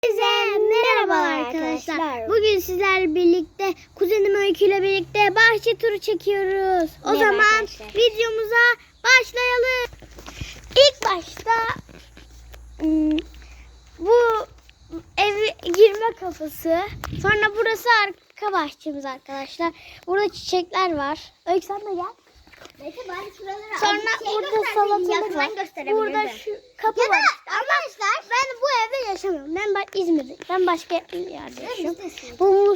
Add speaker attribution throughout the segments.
Speaker 1: Herkese merhabalar arkadaşlar. Bugün sizlerle birlikte kuzenim Öykü ile birlikte bahçe turu çekiyoruz. O zaman arkadaşlar, videomuza başlayalım. İlk başta bu ev girme kapısı. Sonra burası arka bahçemiz arkadaşlar. Burada çiçekler var. Öykü sen de gel. Sonra burada salatalık var. Burada şu kapı var. Arkadaşlar ben bu evde yaşamıyorum. Ben İzmir'de. Ben başka yerde yaşıyorum. Bu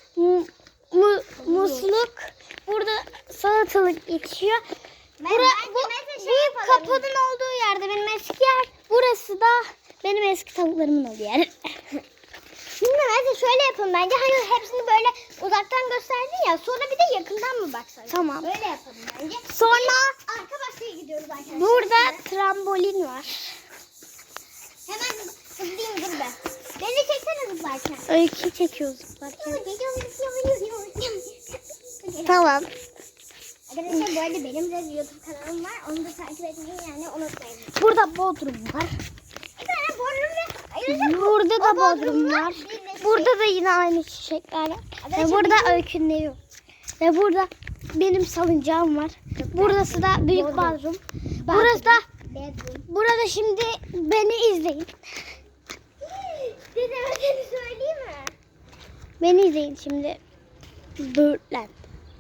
Speaker 1: musluk. Burada salatalık yetişiyor. Bu büyük kapının olduğu yerde benim eski yer. Burası da benim eski tavuklarımın olduğu yer. Şimdi mesela şöyle yapalım bence. Hani hepsini böyle uzaktan gösterdin ya. Sonra bir de yakından mı baksak? Tamam. Böyle yapalım bence. Sonra arka bahçeye gidiyoruz arkadaşlar. Burada trambolin var. Hemen zıplayayım dur be. Beni çeksene zıplarken. Öykü çekiyoruz zıplarken. Tamam. Arkadaşlar bu arada benim de YouTube kanalım var. Onu da takip etmeyi yani unutmayın. Burada bodrum var. Bir tane bodrum ve burada da bodrum var. Burada da yine aynı çiçekler var. Ve burada Öykü'nün evi. Ve burada benim salıncağım var. Burası da büyük bodrum. Burası da burada şimdi beni izleyin. Dedeme seni söyleyeyim mi? Beni izleyin şimdi. Böğürtlen.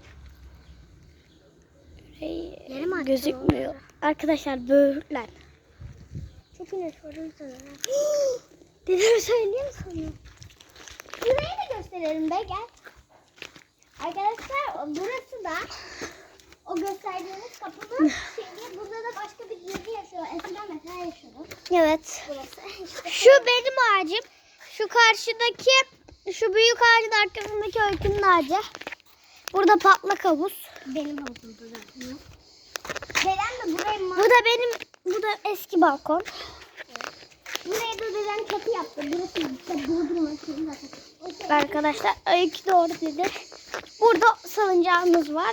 Speaker 1: Gözükmüyor. Arkadaşlar böğürtlen. Çok güneş var o yüzden. Dedeme söyleyeyim mi sana? Burayı da gösterelim be gel. Arkadaşlar burası da o gösterdiğimiz kapının şimdi burada da başka bir yerde yaşıyor. Eskiden mesela yaşıyordu. Evet. Burası. İşte şu benim ağacım. Şu karşıdaki şu büyük ağacın arkasındaki Öykünün ağacı. Burada patlak havuz. Benim havuzumda zaten. Dedem de burayı bu da eski balkon. Buraya da dedem çatı yaptı. Burası işte bodrum zaten. Arkadaşlar Öykü doğru dedi. Burada salıncağımız var.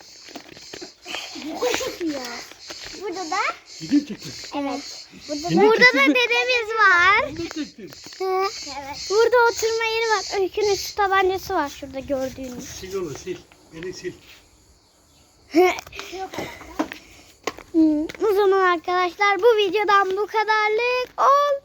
Speaker 1: Burada da evet. Burada da dedemiz var. Evet. Burada oturma yeri var. Öykünün su tabancası var şurada gördüğünüz.
Speaker 2: Sil onu sil. Beni sil.
Speaker 1: O zaman arkadaşlar bu videodan bu kadarlık oldu.